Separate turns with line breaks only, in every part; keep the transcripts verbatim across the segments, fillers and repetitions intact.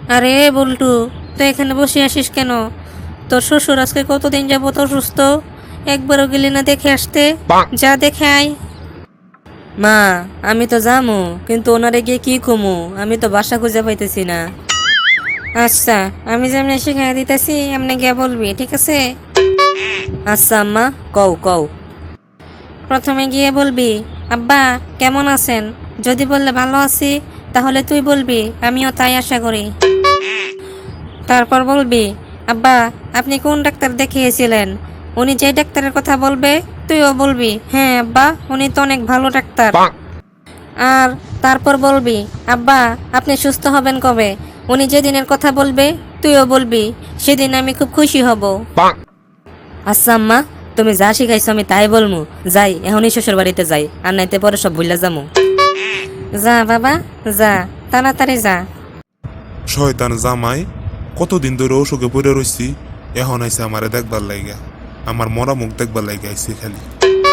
আরে বল্টু, তুই এখানে বসে আসিস কেন? তোর শ্বশুর আজকে কতদিন যাবত অসুস্থ, একবারও গেলি না দেখে আসতে? যা দেখে আয়। মা, আমি তো যামু, কিন্তু ওনারে গিয়ে কি কমু? আমি তো বাসা খুঁজে পাইতেছি না। আচ্ছা, আমি যেমনি শিখাই দিতেছি এমনি গিয়ে বলবি, ঠিক আছে? আচ্ছা আম্মা, কও কও। প্রথমে গিয়ে বলবি, আব্বা কেমন আছেন? যদি বললে ভালো আছি, তাহলে তুই বলবি আমিও তাই আশা করি। তারপর বলবি, আব্বা আপনি কোন ডাক্তার দেখিয়েছিলেন? উনি যে ডাক্তারের কথা বলবে তুইও বলবি, হ্যাঁ আব্বা উনি তো অনেক ভালো ডাক্তার। আর তারপর বলবি, আব্বা আপনি সুস্থ হবেন কবে? উনি যেদিনের কথা বলবে তুইও বলবি, সেদিন আমি খুব খুশি হব। আচ্ছা আম্মা, তুমি যা শিখাইছো আমি তাই বলমু। যাই, এখনই শ্বশুর বাড়িতে যাই, আর নাইতে পরে সব ভুলে যামু। যা বাবা যা, তাড়াতাড়ি যা।
শয়তান জামাই, কতদিন ধরে অসুখে পড়ে রইছি, এখন আইসে আমারে দেখবার লাইগা, আমার মরা মুখ দেখবার লাইগা আইসে খালি।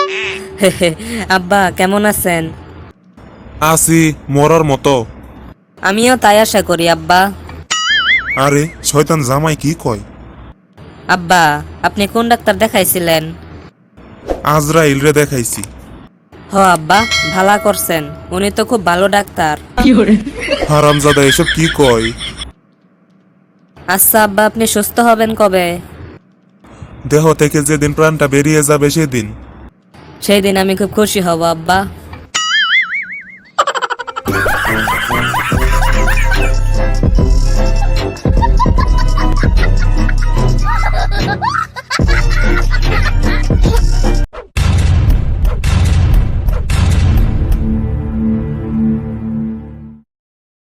আব্বা কেমন আছেন?
আসি মরার মতো।
আমিও তাই আশা করি আব্বা।
আরে শয়তান জামাই কি কয়?
আব্বা আপনি কোন ডাক্তার দেখাইছিলেন?
আজরাইল রে দেখাইছি।
হ আব্বা, ভালা করছেন, উনি তো খুব ভালো ডাক্তার।
হারামজাদা এসব কি কয়?
আচ্ছা আব্বা, আপনি সুস্থ হবেন কবে?
দেহ থেকে যেদিন প্রাণটা বেরিয়ে যাবে সেদিন।
সেই দিন আমি খুব খুশি হব আব্বা।
Ha ha ha!